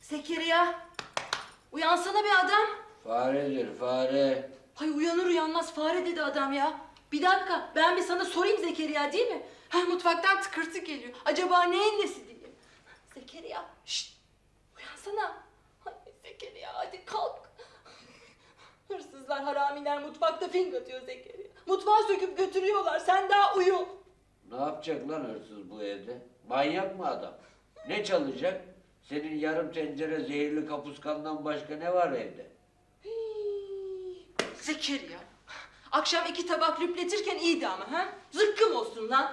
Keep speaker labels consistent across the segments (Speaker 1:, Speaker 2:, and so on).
Speaker 1: Zekeriya, uyansana bir adam.
Speaker 2: Faredir, fare.
Speaker 1: Hay uyanır uyanmaz fare dedi adam ya. Bir dakika, ben bir sana sorayım Zekeriya, değil mi? Ha, mutfaktan tıkırtı geliyor. Acaba neyin nesi diye. Zekeriya, şşt, uyansana. Hay Zekeriya, hadi kalk. Hırsızlar, haramiler mutfakta fink atıyor Zekeriya. Mutfağı söküp götürüyorlar, sen daha uyu.
Speaker 2: Ne yapacak lan hırsız bu evde? Manyak mı adam? Ne çalacak? Senin yarım tencere zehirli kapuskandan başka ne var evde?
Speaker 1: Hii, Zekeriya, akşam 2 tabak lüpletirken iyiydi ama ha? Zıkkım olsun lan.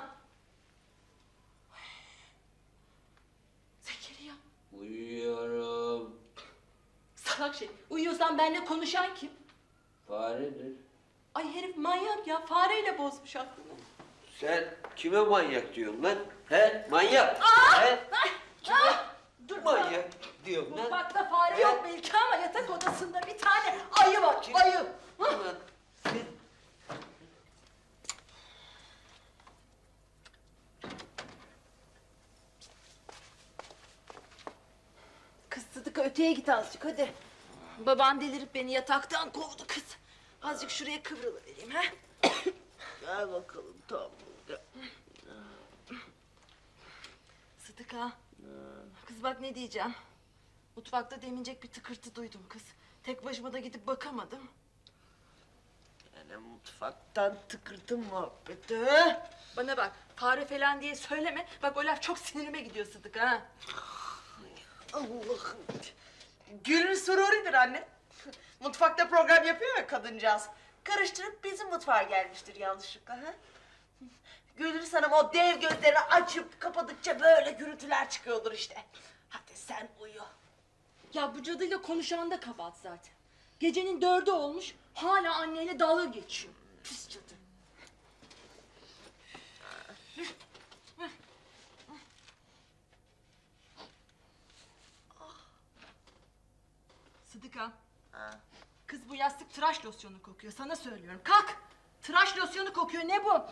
Speaker 1: Zekeriya.
Speaker 2: Uyuyorum.
Speaker 1: Salak şey, uyuyorsan benimle konuşan kim?
Speaker 2: Faredir.
Speaker 1: Ay herif manyak ya, fareyle bozmuş aklını.
Speaker 2: Sen kime manyak diyorsun lan? He? Manyak. He? Kime
Speaker 1: Dur
Speaker 2: manyak diyorsun lan?
Speaker 1: mutfakta fare
Speaker 2: He?
Speaker 1: yok belki ama yatak odasında bir tane ayı var, ayı. Hı?
Speaker 2: Ulan sen...
Speaker 1: Kız Sıdıka, öteye git azıcık hadi. Baban delirip beni yataktan kovdu kız. Azıcık şuraya kıvrılıvereyim ha.
Speaker 2: Gel bakalım tamam.
Speaker 1: Sıdıka. Kız bak ne diyeceğim. Mutfakta demincek bir tıkırtı duydum kız. Tek başıma da gidip bakamadım.
Speaker 2: Yani mutfaktan tıkırtı muhabbeti.
Speaker 1: Bana bak, fare falan diye söyleme. Bak o laf çok sinirime gidiyor Sıdıka ha.
Speaker 3: Allah'ım. Gülün sururidir anne. Mutfakta program yapıyor ya kadıncağız. Karıştırıp bizim mutfağa gelmiştir yanlışlıkla. Ha? Gülür Hanım o dev gözlerini açıp kapadıkça böyle gürültüler çıkıyordur işte. Hadi sen uyu.
Speaker 1: Ya bu cadıyla konuşan da kabahat zaten. Gecenin 4'ü olmuş, hala anneyle dalga geçiyor. Pis cadı. Sıdıka. Kız bu yastık tıraş losyonu kokuyor, sana söylüyorum. Kalk! Tıraş losyonu kokuyor, ne bu?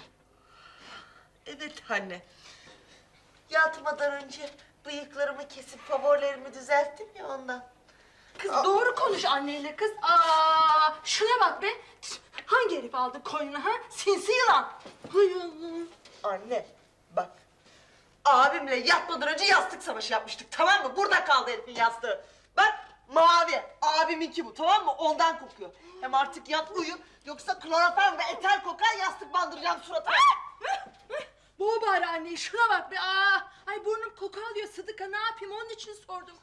Speaker 3: Evet anne. Yatmadan önce bıyıklarımı kesip favorilerimi düzelttim ya ondan.
Speaker 1: Kız doğru konuş anneyle kız. Aa, şuna bak be. Hangi herif aldı koynuna ha? Sinsi yılan. Hay Allah.
Speaker 3: Anne bak. Abimle yatmadan önce yastık savaşı yapmıştık, tamam mı? Burada kaldı herifin yastığı. Bak mavi. Abiminki bu, tamam mı? Ondan kokuyor. Hem artık yat uyu. Yoksa kloroform ve eter kokar, yastık bandıracağım suratına.
Speaker 1: Boğ bari anneyi, şuna bak be. Aa, ay burnum koku alıyor Sıdıka, ne yapayım, onun için sordum.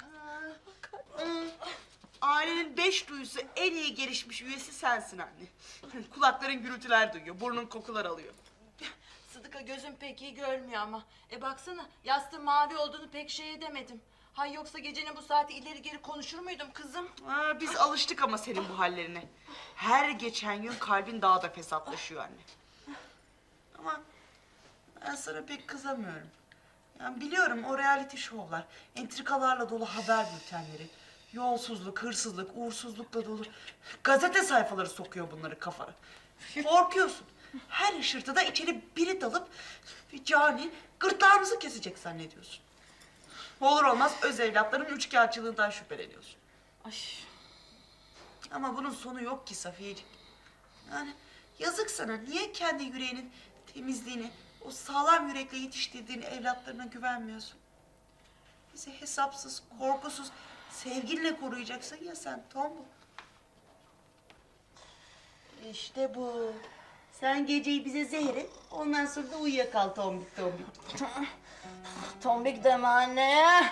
Speaker 3: Ailenin 5 duyusu en iyi gelişmiş üyesi sensin anne. Kulakların gürültüler duyuyor, burnun kokular alıyor.
Speaker 1: Sıdıka gözüm pek iyi görmüyor ama. Baksana, yastığın mavi olduğunu pek şey edemedim. Hay yoksa gecenin bu saati ileri geri konuşur muydum kızım?
Speaker 3: Biz alıştık ama senin bu hallerine. Her geçen gün kalbin daha da fesatlaşıyor anne. Ama ben sana pek kızamıyorum. Yani biliyorum o reality şovlar, entrikalarla dolu haber bültenleri, yolsuzluk, hırsızlık, uğursuzlukla dolu gazete sayfaları sokuyor bunları kafana. Korkuyorsun. Her ışırtıda içeri biri dalıp bir cani gırtlağımızı kesecek zannediyorsun. Olur olmaz öz evlatların üçkağıtçılığından şüpheleniyorsun.
Speaker 1: Ay.
Speaker 3: Ama bunun sonu yok ki Safiyeciğim. Yani yazık sana. Niye kendi yüreğinin temizliğini, o sağlam yürekle yetiştirdiğin evlatlarına güvenmiyorsun? Bizi hesapsız, korkusuz, sevginle koruyacaksın ya sen Tombul. İşte bu. Sen geceyi bize zehir et, ondan sonra da uyuyakal tombik tombik.
Speaker 1: Tombik deme anne.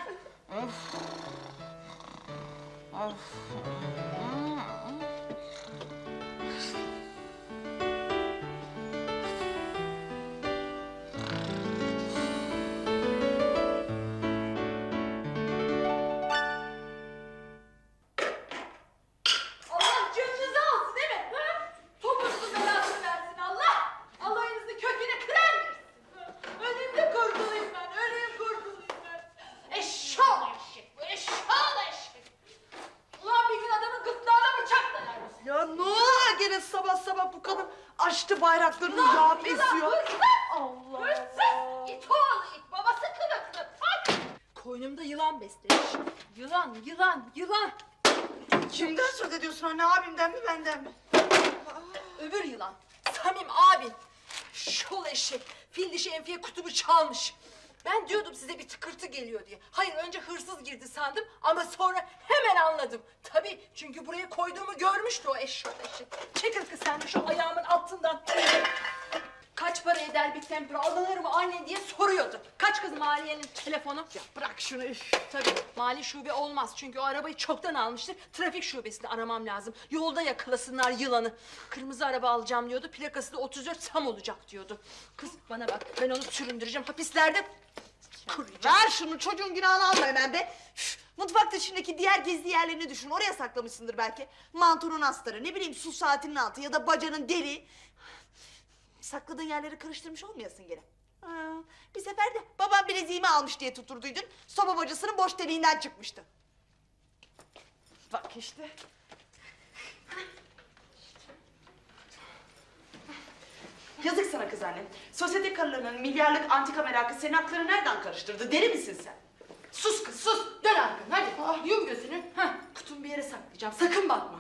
Speaker 1: Allah canınızı alsın değil mi? Ha? Topunuzun belasını versin Allah. Allah'ınızı köküne kırar versin. Öleyim de kurtulayım ben. Öleyim kurtulayım ben. Eşşoğlu eşek bu. Eşşoğlu eşek. Ulan bir gün adamın gırtlağına bıçak dalar mısın?
Speaker 3: Ya ne oluyor gene sabah sabah bu kadın açtı bayraklarını yağıp esiyor.
Speaker 1: Hırsız!
Speaker 3: Allah
Speaker 1: Hırsız! İt oğlu it. Babası kılıklı. Bak! Boynumda yılan beslemiş. Yılan, yılan, yılan.
Speaker 3: Kimden söz ediyorsun anne? Abimden mi benden mi?
Speaker 1: Öbür yılan. Samim abin. Şol eşek. Fil dişi Enfiye kutubu çalmış. Ben diyordum size bir tıkırtı geliyor diye. Hayır, önce hırsız girdi sandım ama sonra hemen anladım. Tabii, çünkü buraya koyduğumu görmüştü o eşek. Çekil kız sen de şu ayağımın altından. Kaç para eder bir tempura, alınır mı anne diye soruyordu. Kaç kız maliyenin telefonu? Ya bırak şunu üf. Tabii mali şube olmaz çünkü o arabayı çoktan almıştır. Trafik şubesini aramam lazım. Yolda yakalasınlar yılanı. Kırmızı araba alacağım diyordu. Plakası da 34 tam olacak diyordu. Kız bana bak, ben onu süründüreceğim hapislerde. Kuruyacağım.
Speaker 3: Ver şunu, çocuğun günahını alma hemen be. Üf, mutfak dışındaki diğer gizli yerlerini düşün. Oraya saklamışsındır belki. Mantonun astarı, ne bileyim su saatinin altı ya da bacanın deri. Sakladığın yerleri karıştırmış olmayasın gene. Bir sefer de babam bileziğimi almış diye tuturduydun. Soba bacasının boş deliğinden çıkmıştı. Bak işte. Yazık sana kız annem. Sosyete karılarının milyarlık antika merakı senin aklını nereden karıştırdı? Deli misin sen?
Speaker 1: Sus kız sus. Dön arkanı hadi. Yum gözünü. Heh, kutumu bir yere saklayacağım. Sakın bakma.